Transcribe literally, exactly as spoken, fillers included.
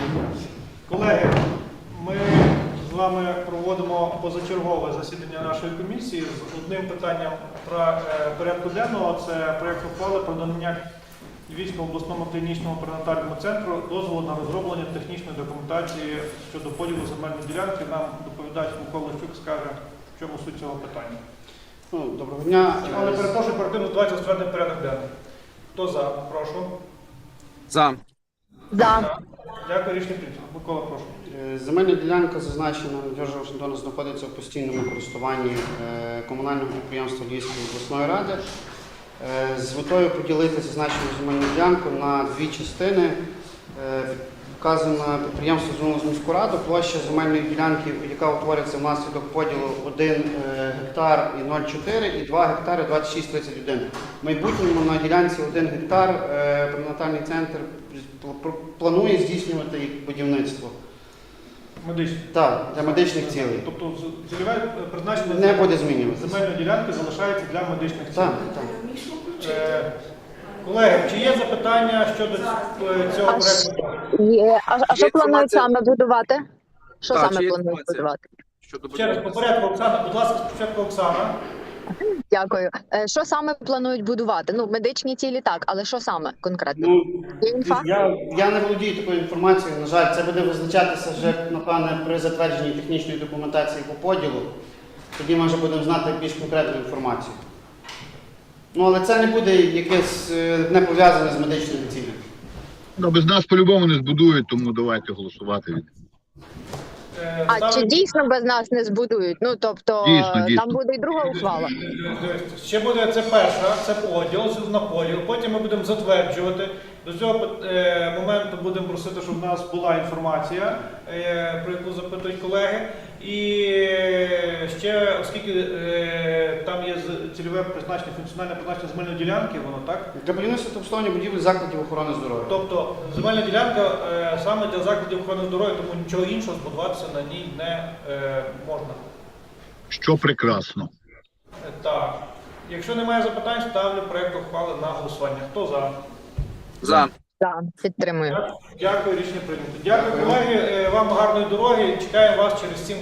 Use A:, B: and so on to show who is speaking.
A: Колеги, ми з вами проводимо позачергове засідання нашої комісії з одним питанням про е, порядку денного. Це проєкт ухвали про надання Львівському обласному клінічному перинатальному центру дозволу на розроблення технічної документації щодо поділу земельної ділянки. Нам доповідач Микола Щук скаже, в чому суть цього питання.
B: Ну, доброго дня.
A: Але перепрошую, перед тим давайте затвердимо порядок денний. Хто за? Прошу.
C: За.
D: За.
A: Дякую, рішення прийнято. Микола, прошу.
B: Е, Земельна ділянка, зазначена Надежда Вашингтона, знаходиться в постійному користуванні е, комунального підприємства Львівської обласної ради. Е, З метою поділити зазначену земельну ділянку на дві частини. Е, Вказано підприємство звернулося в міську раду. Площа земельної ділянки, яка утворюється внаслідок поділу один гектар і нуль цілих чотири і два гектари двадцять шість тридцять один. В майбутньому на ділянці один гектар е, перинатальний центр планує здійснювати їх будівництво.
A: Медичний.
B: Так, для медичних цілей.
A: Тобто цільове призначення
B: Не буде змінюватися.
A: земельної ділянки залишається для медичних цілей.
B: Так, так.
A: Е, Колеги, чи є запитання щодо е, цього
D: А ш-
A: проекту?
D: Є. А, а що
C: Є
D: планують
C: інформація?
D: саме будувати? Що
C: Так, чи
D: саме
C: є
D: планують
C: інформація?
D: будувати?
C: Щодо
A: Ще раз по порядку, Оксана, будь ласка, спочатку Оксана.
D: Дякую. Е, Що саме планують будувати? Ну, медичні цілі так, але що саме конкретно?
B: Ну,
D: Є інфа?
B: я, я не володію такою інформацією, на жаль, це буде визначатися вже, напевне, при затвердженні технічної документації по поділу. Тоді ми вже будемо знати більш конкретну інформацію. Ну, але це не буде якесь е, не пов'язане з медичними цілями.
E: Ну, без нас по-любому не збудують, тому давайте голосувати.
A: Е,
D: А
A: ставлю-
D: чи дійсно без нас не збудують? Ну, тобто,
E: Дійсно, дійсно.
D: там буде і друга ухвала.
A: Ще буде це перша, це поділ на поділ. Потім ми будемо затверджувати. До цього е, моменту будемо просити, щоб в нас була інформація, е, про яку запитують колеги. І е, ще, оскільки е, там є з- цільове призначення, функціональне призначення земельної ділянки, воно так?
B: Для будівництва та обслуговування будівель закладів охорони здоров'я.
A: Тобто земельна ділянка е, саме для закладів охорони здоров'я, тому нічого іншого збудуватися на ній не е, можна.
E: Що прекрасно.
A: Е, Так. Якщо немає запитань, ставлю проєкт ухвали на голосування. Хто за?
C: За.
D: Так, підтримую.
A: Дякую, рішення прийнято. Дякую, колеги. Е, Вам гарної дороги. Чекаємо вас через сім.